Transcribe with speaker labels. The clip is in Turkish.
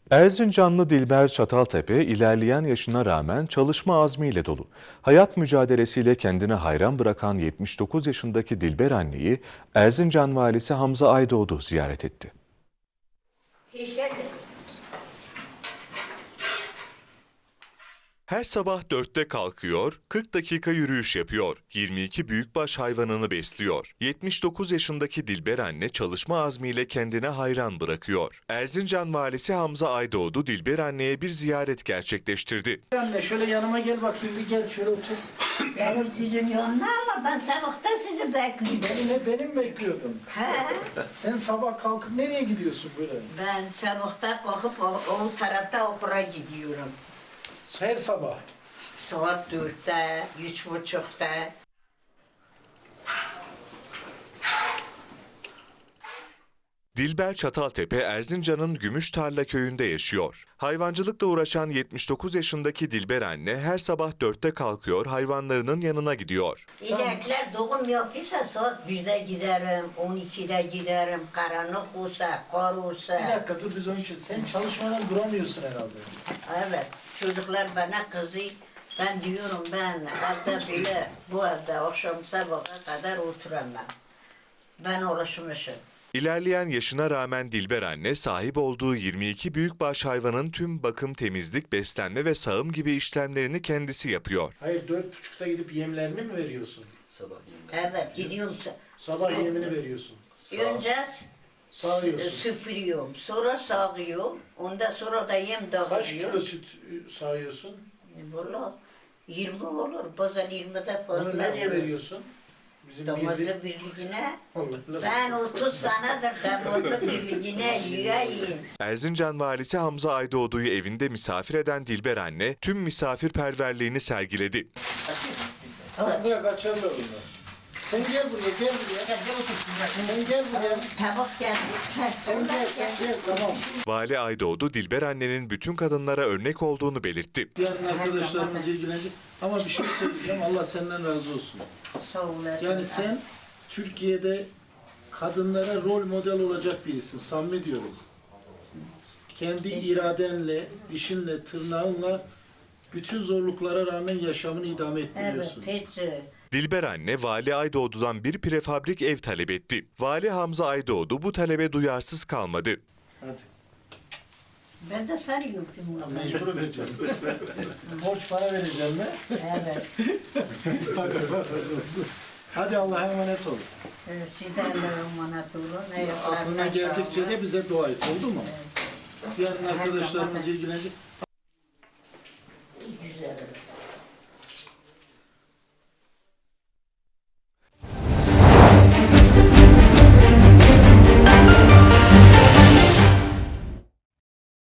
Speaker 1: Erzincanlı Dilber Çataltepe ilerleyen yaşına rağmen çalışma azmiyle dolu. Hayat mücadelesiyle kendine hayran bırakan 79 yaşındaki Dilber anneyi Erzincan valisi Hamza Aydoğdu ziyaret etti. Her sabah 4'te kalkıyor, 40 dakika yürüyüş yapıyor, 22 büyükbaş hayvanını besliyor. 79 yaşındaki Dilber anne çalışma azmiyle kendine hayran bırakıyor. Erzincan valisi Hamza Aydoğdu Dilber anneye bir ziyaret gerçekleştirdi.
Speaker 2: Anne şöyle yanıma gel bakayım, bir gel şöyle otur.
Speaker 3: Benim sizin yanına ama ben sabahtan sizi bekliyorum.
Speaker 2: Benim bekliyordum.
Speaker 3: He,
Speaker 2: Sen sabah kalkıp nereye gidiyorsun böyle?
Speaker 3: ben sabahtan kalkıp o tarafta okula gidiyorum.
Speaker 2: Her sabah.
Speaker 3: Saat 4'te, 3.30'da.
Speaker 1: Dilber Çataltepe, Erzincan'ın Gümüştarla köyünde yaşıyor. Hayvancılıkla uğraşan 79 yaşındaki Dilber anne her sabah 4'te kalkıyor, hayvanlarının yanına gidiyor.
Speaker 3: İnekler doğum yapıyorsa saat 1'de giderim, 12'de giderim, karanlık olsa, kar
Speaker 2: Bir
Speaker 3: olsa.
Speaker 2: dakika dur biz onun için. Sen çalışmadan duramıyorsun herhalde.
Speaker 3: Evet, çocuklar bana kızıyor. Ben diyorum ben evde bile, bu evde akşam sabaha kadar oturamam. Ben alışmışım.
Speaker 1: İlerleyen yaşına rağmen Dilber anne sahip olduğu 22 büyükbaş hayvanın tüm bakım, temizlik, beslenme ve sağım gibi işlemlerini kendisi yapıyor.
Speaker 2: Hayır 4.30'da gidip yemlerini mi veriyorsun?
Speaker 3: Evet, gidiyorum.
Speaker 2: Sabah yemini veriyorsun.
Speaker 3: Önce
Speaker 2: Sağıyorsun.
Speaker 3: süpürüyorum, sonra sağıyorum, ondan sonra da yem
Speaker 2: Kaç
Speaker 3: dağıtıyorum.
Speaker 2: kilo süt sağıyorsun?
Speaker 3: Valla 20 olur, bazen 20'de fazla
Speaker 2: Onu nereye
Speaker 3: olur.
Speaker 2: veriyorsun? Bizim
Speaker 3: Damatlı birliğine,
Speaker 2: Allah
Speaker 3: ben 30 senedir damatlı birliğine üyeyim.
Speaker 1: Erzincan valisi Hamza Aydoğdu'yu evinde misafir eden Dilber anne tüm misafirperverliğini sergiledi.
Speaker 2: Tamam buraya kaçarlar bunlar. Sen gel buraya, gel buraya. Sen gel buraya.
Speaker 3: Tabak geldi,
Speaker 2: Sen gel, tamam.
Speaker 1: Vali Aydoğdu Dilber annenin bütün kadınlara örnek olduğunu belirtti.
Speaker 2: Yarın arkadaşlarımız ilgilenecek. Ama bir şey söyleyeceğim, Allah senden razı olsun.
Speaker 3: Sağ olasın.
Speaker 2: Yani sen Türkiye'de kadınlara rol model olacak birisin, samimi diyorum. Kendi iradenle, dişinle, tırnağınla bütün zorluklara rağmen yaşamını idame
Speaker 3: Evet,
Speaker 2: ettiriyorsun.
Speaker 3: hiç.
Speaker 1: Dilber anne Vali Aydoğdu'dan bir prefabrik ev talep etti. Vali Hamza Aydoğdu bu talebe duyarsız kalmadı.
Speaker 2: Hadi.
Speaker 3: Ben de seni gördüm valla.
Speaker 2: Mecbur vereceğim. Borç para vereceğim mi?
Speaker 3: Evet.
Speaker 2: Hadi Allah'a emanet ol.
Speaker 3: Sizden de emanet olun.
Speaker 2: Aklına geldikçe de bize dua et, oldu mu? Yarın arkadaşlarımız ilgilenecek.